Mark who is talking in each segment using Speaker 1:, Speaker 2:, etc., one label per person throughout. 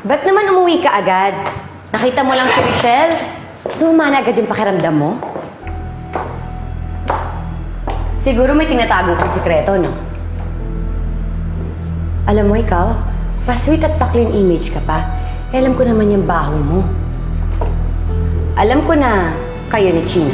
Speaker 1: Ba't naman umuwi ka agad? Nakita mo lang si Michelle? Sumana agad yung pakiramdam mo? Siguro may tinatago kang sikreto, no? Alam mo ikaw, pa-sweet at pa-clean image ka pa. Alam ko naman yung baho mo. Alam ko na kayo ni Chino.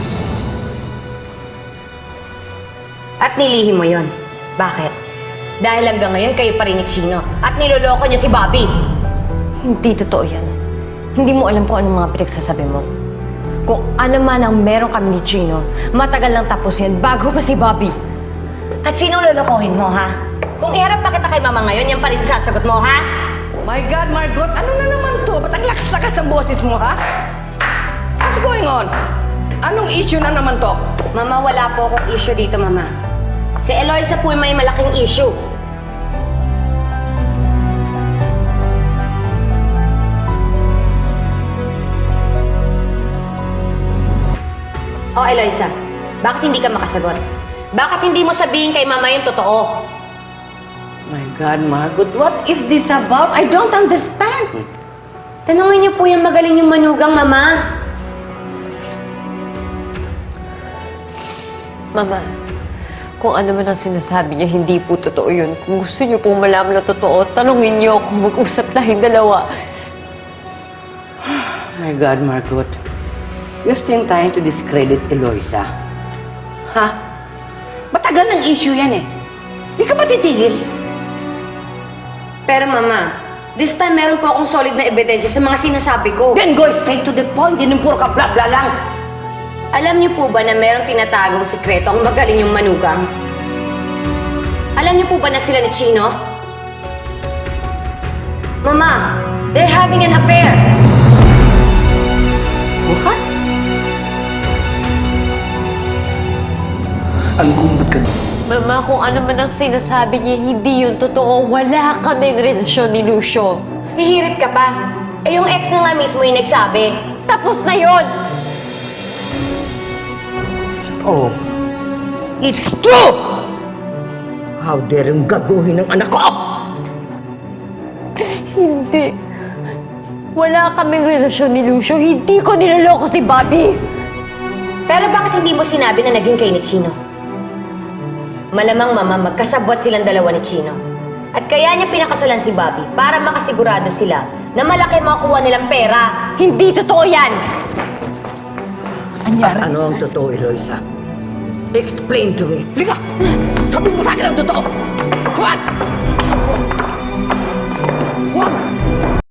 Speaker 1: At nilihim mo yon. Bakit? Dahil hanggang ngayon kayo pa rin ni Chino at niloloko niya si Bobby. Hindi totoo yan. Hindi mo alam kung anong mga pinagsasabi mo. Kung ano man ang meron kami ni Chino, matagal lang tapos yan bago pa si Bobby. At sinong lolokohin mo, ha? Kung iharap pa kita kay Mama ngayon, yan pa rin sasagot mo, ha?
Speaker 2: My God, Margot, ano na naman to? Ba't ang lakas-lakas ng boses mo, ha? What's going on? Anong issue na naman to?
Speaker 1: Mama, wala po akong issue dito, Mama. Si Eloisa po may malaking issue. Oh, Eloisa, bakit hindi ka makasagot? Bakit hindi mo sabihin kay Mama yung totoo?
Speaker 2: My God, Margot, what is this about? I don't understand.
Speaker 1: Tanungin niyo po yung magaling yung manugang, Mama.
Speaker 3: Mama, kung ano man ang sinasabi niya, hindi po totoo yun. Kung gusto niyo pong malaman na totoo, tanungin niyo kung mag-usap tayong dalawa.
Speaker 2: My God, Margot. You're still trying to discredit Eloisa. Ha? Matagal ng issue yan eh. Di ka ba titigil?
Speaker 1: Pero Mama, this time meron po akong solid na ebidensya sa mga sinasabi ko.
Speaker 2: Then go straight to the point. Hindi puro ka bla-bla lang.
Speaker 1: Alam niyo po ba na merong tinatagong sikreto ang magaling yung manugang? Alam niyo po ba na sila ni Chino? Mama, they're having an affair!
Speaker 2: What?
Speaker 4: Ang kumbot ka doon.
Speaker 3: Mama, kung ano man ang sinasabi niya, hindi yun totoo. Wala kaming relasyon ni Lucio.
Speaker 1: Hihirit ka pa. Eh yung ex na nga mismo yung nagsabi.
Speaker 3: Tapos na yun!
Speaker 2: So, it's true! How dare yung gaguhin ng anak ko?
Speaker 3: Hindi. Wala kaming relasyon ni Lucio. Hindi ko niloloko si Bobby.
Speaker 1: Pero bakit hindi mo sinabi na naging kayo ni Chino? Malamang Mama, magkasabwat silang dalawa ni Chino. At kaya niya pinakasalan si Bobby para makasigurado sila na malaki makuha nilang pera.
Speaker 3: Hindi totoo yan!
Speaker 2: Ano ang totoo, Eloisa? Explain to me. Liga! Sabi mo sa akin ang totoo! Come on! Wag!